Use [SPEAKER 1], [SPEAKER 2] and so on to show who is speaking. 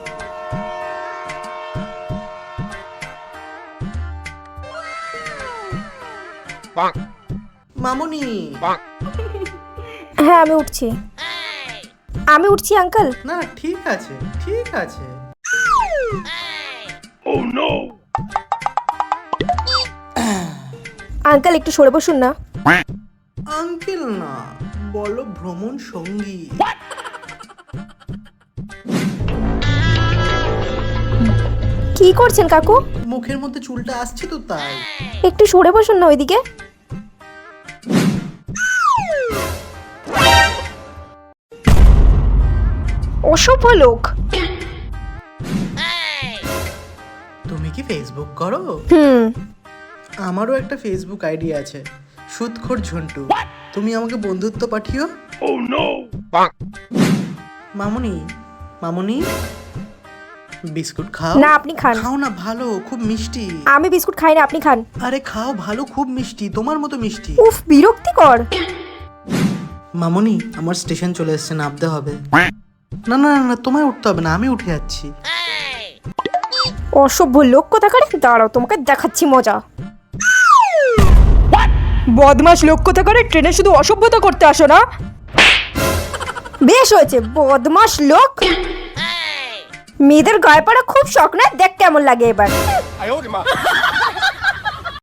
[SPEAKER 1] মামুনি।
[SPEAKER 2] হ্যাঁ আমি উঠছি আঙ্কেল।
[SPEAKER 1] না ঠিক আছে ঠিক আছে।
[SPEAKER 2] আঙ্কেল একটু সরে বসুন না।
[SPEAKER 1] আঙ্কেল না, বলো ভ্রমণ সঙ্গী।
[SPEAKER 2] কি করছেন কাকু?
[SPEAKER 1] মুখের মধ্যে চুলটা আসছে তো তাই।
[SPEAKER 2] একটু সরে বসুন না ওইদিকে। অসভ্য লোক।
[SPEAKER 1] তুমি কি ফেসবুক করো? আমারও একটা ফেসবুক আইডি আছে, সুদখোর ঝন্টু। তুমি আমাকে বন্ধুত্ব পাঠিও। মামুনি মামুনি, বিস্কুট খাও।
[SPEAKER 2] না আপনি খান।
[SPEAKER 1] খাও না, ভালো, খুব মিষ্টি।
[SPEAKER 2] আমি বিস্কুট খাই না, আপনি খান।
[SPEAKER 1] আরে খাও, ভালো, খুব মিষ্টি, তোমার মতো মিষ্টি।
[SPEAKER 2] উফ বিরক্তিকর।
[SPEAKER 1] মামুনি আমার স্টেশন চলে এসেছে, নামতে হবে। না না না, তোমায় উঠতে হবে না, আমি উঠে যাচ্ছি।
[SPEAKER 2] অসভ্য লোক কোথাকার। দাঁড়াও তোমাকে দেখাচ্ছি মজা। বদমাশ লোক কোথাকার, ট্রেনে শুধু অসভ্যতা করতে আসো না? বেশ হয়েছে, বদমাশ লোক। মেয়েদের গায়ে পড়া খুব শখ না, দেখ কেমন লাগে এবার।